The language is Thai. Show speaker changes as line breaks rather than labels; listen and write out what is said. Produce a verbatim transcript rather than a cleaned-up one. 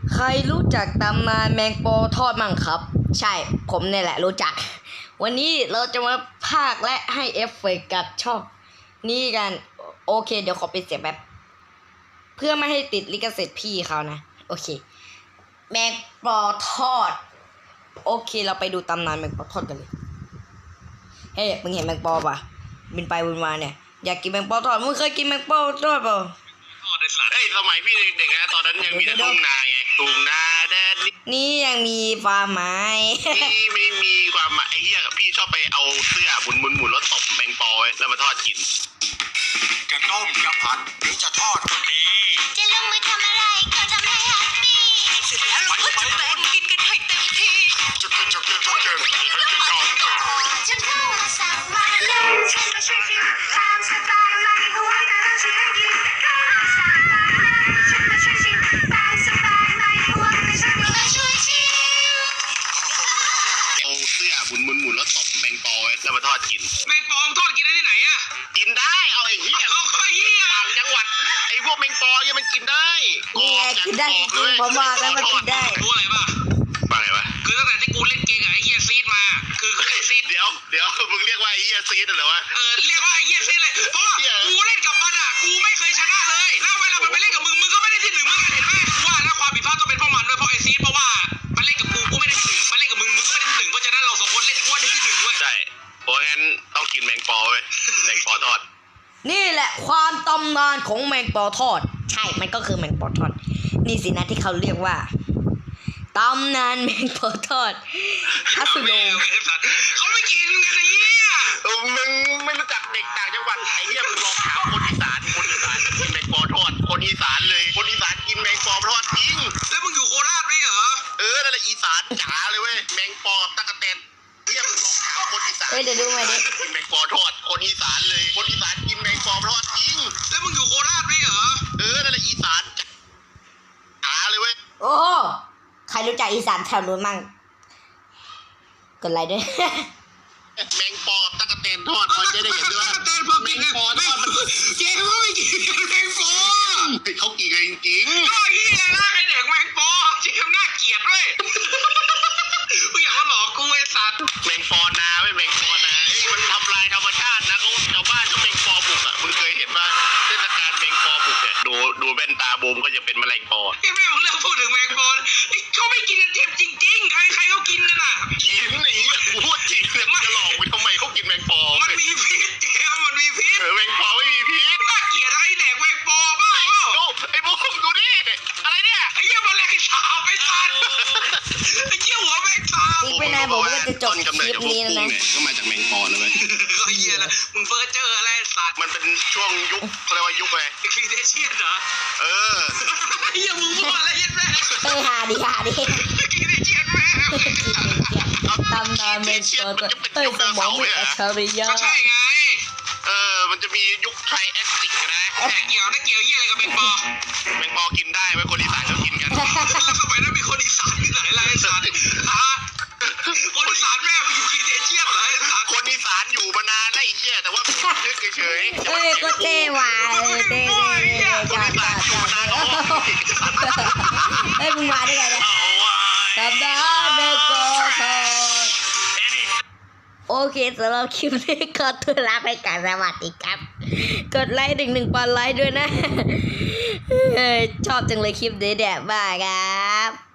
ใครรู้จักตำนานแมงปอทอดมั่งครับใช่ผมเนี่ยแหละรู้จักวันนี้เราจะมาพากและให้เอฟเฟกต์กับช่องนี่กันโอเคเดี๋ยวขอปิดเสียงแบบเพื่อไม่ให้ติดลิขสิทธิ์พี่เขานะโอเคแมงปอทอดโอเคเราไปดูตำนานแมงปอทอดกันเลยเฮ้ยมึงเห็นแมงปอปะบินไปบินมาเนี่ยอยากกินแมงปอทอดมึงเคยกินแมงปอทอดเปล่า
เฮ้ยสมัยพี่เด็กๆนะตอนนั้นยังมีแต่ทุ่งนาไงทุ่งนาแดน
นี่ยังมีฟาร์มไม้
นี่ไม่มีความหมายไอ้เหี้ยพี่ชอบไปเอาเสื้อหมุนหมุนหมุนแล้วตบแมงปอไว้แล้วมาทอดกินจะต้มจะผัดหรือจะทอดก็ดี
จะลงมือทำอะไรก็ทำให้แฮปปี้เสร็จแล้วเราก็จะแบ่งกินกันให้เต็มที่
จะจะจะจะจะจะ
ฉันเข้ามาสั่งมาเลยฉันก็ช่วยกินตามสไตล์ไม่ห่วงแต่เราจะได้กินเข้ามาสั่งมาเลยฉันก็ช่วยกินตามสไตล์ไม่ห่วงแต่ฉันก็ช่วยชิม
เอาเสื้อหมุนหมุนหมุนแล้วตบแมงปอไว้แล้วมาทอดกิน
แมงปอทอดกินได้ที่ไหนอะ
กินได้เอาไอ้เหี้ย
เอาไอ้เหี้ย
ต่างจังหวัดไอ้พวกแมงปอเนี่ยมันกินได้
นี่ไงกินได้จริงผมว่าแล้วมันกินได้
รู้อะไรป่ะ
ว่าไงวะ
คือตั้งแต่ที่กูเล่นเกมกับไอ้เหี้ยซีดมาคือคือไอ้ซีด
เดี๋ยวเดี๋ยวมึงเรียกว่าไอ้เหี้ยซีดเหรอวะ
เออเรียกว่าไอ้เหี้ยซีดเลยเพราะว่ากูเล่นกับมันอะกูไม่เคยชนะเลยแล้วเวลามันไปเล่นกับมึงมึงก็ไม่ได้ที่หนึ่งมึงเห็นไหมกูว่าแล้วความผิดพลาดต้องเป็นเพราะมันด้วยเพราะไอ้ซีดเพราะว่ามันเล่นกับกูกูไม่ได้ที่หนึ่งมันเล่นกับมึงมึงก็ไม่ได้ที่หนึ่งเพราะฉะนั้นเราสองคนเล่นกูว่าได้ที่หนึ่งเว้ย
ใช่เพราะงั้นต้องกินแมงปอเว้ยแมงปอทอด
นี่แหละความตำนานของแมงปอทอดใช่มันก็คือแมงปอทอดนี่สินะที่เขาเรียกว่าตำนานแมงปอทอดฮัสโล
เขาไม่กินกันไอ้เหี้ย
มึงไม่รู้จักเด็กต่างจังหวัดไอ้เหี้ยมึงลองถามคนอีสานคนอีสานกินแมงปอทอดคนอีสานเลยคนอีสานกินแมงปอทอดจริง
แล้วมึงอยู่โคราชไหมเหรอ
เออนั่นแหละอีสานจ๋าเลยเว้ยแมงปอกับตะกะแตนเหี้ยมึงลองถามคนอีสาน
เอ้ยเดี๋ยวดูมาดิ
กินแมงปอทอดคนอีสานเลยคนอีสานกินแมงปอทอดจริง
แล้วมึงอยู่โคราชไหมเหรอ
เออนั่นแหละอีสานจ๋าเลยเว้ย
โอ้ใครรู้จักอีสานแถวนู้นมั่งกดไลค์ด้วย
แมงปอตะกะแตนทอดมันจะได้เห็นด้วย
ตะกะแตนพอกินแมงปอทอดมันเจ๊เขาไม่กินแมงปอ
เขากินกันจริง
ๆก็ยี่เลยนะใครเด็กแมงปอเจ๊น่าเกลียดด้วยกูอยากมาหลอกกูไอ้สัตว์
แมงปอนาไม่แมงปอนาไอ้มันทำลายธรรมชาตินะเขาชาวบ้านเขาแมงปอบุกอ่ะมึงเคยเห็นป่ะเทศกาลแมงปอบุกเนี่ยดูดูแว่นตาบูมก็จะเป็นแมลงปอ
ไอ้แม่มึงเลิกพูดถึงแมงปอเขาไม่กินกันเจ็บจริงๆใครใครเขากินกันอ่ะ
กินไอ้เหี้ยกูพูดจริงเลยจะหลอกไปทำไมเขากินแมงปอ
มันมีพิษเจ๊มันมีพิษ
เออแมงปอไม่มีพิษ
น่าเกลียดไอ้แดกแมงปอบ้าเปล่า
ดูไอ้บูมดูดิอะไรเนี่ย
ไอ้เหี้ยมันแรงสาวไอ้สัตว์ไอ้เหี้ยหัวแมงสาว
อีกไม่นานผมก็จะจบคลิปนี้แล้วนะ
ก็มาจากแมงปอนะเว้ย
ก็เหี้ยละมึงเฟอร์เจอร์อะไรสัตว์
มันเป็นช่วงยุคเขาเรียกว่ายุคอะไร
ครีเดเชียนเหรอ
เออ
ไอ้เหี้ยมึงพูดอะไรยันแม่
เออหาดิหาดิ
ครีเดเชียนแม่
ตำนานแมงปอเอ้ยสมองมีอัจฉริยะ
ใช่ไง
เออมันจะมียุคไทรแอสติกนะ
แต่เกี่ยวได้เกี่ยวเหี้ยอะไรกับแมงปอ
แมงปอกินได้ไว้คนอีสานเขากินกัน
แล้วสมัยนั้นมีคนอีสานที่ไหนล่ะไอ้สัตว์ฮะคนอีสานแม่มาอยู่ครีเดเชียนเหรอไอ้สัตว์
คนอีสานอยู่มานานแล้วไอ้เหี้ยแต่ว่านึกเฉยๆ
เอ้ยก็เท่หว่ะเท่เท่
คนอีสานอยู่มานานแล้ว
เฮ้ยมึงมาได้ไงเนี่ยตำนานแมงปอทอดโอเคสำหรับคลิปนี้ก็ตัวลาไปกันสวัสดีครับกดไลค์หนึ่งหนึ่งปอนไลค์ด้วยนะชอบจังเลยคลิปนี้แดดบ้าครับ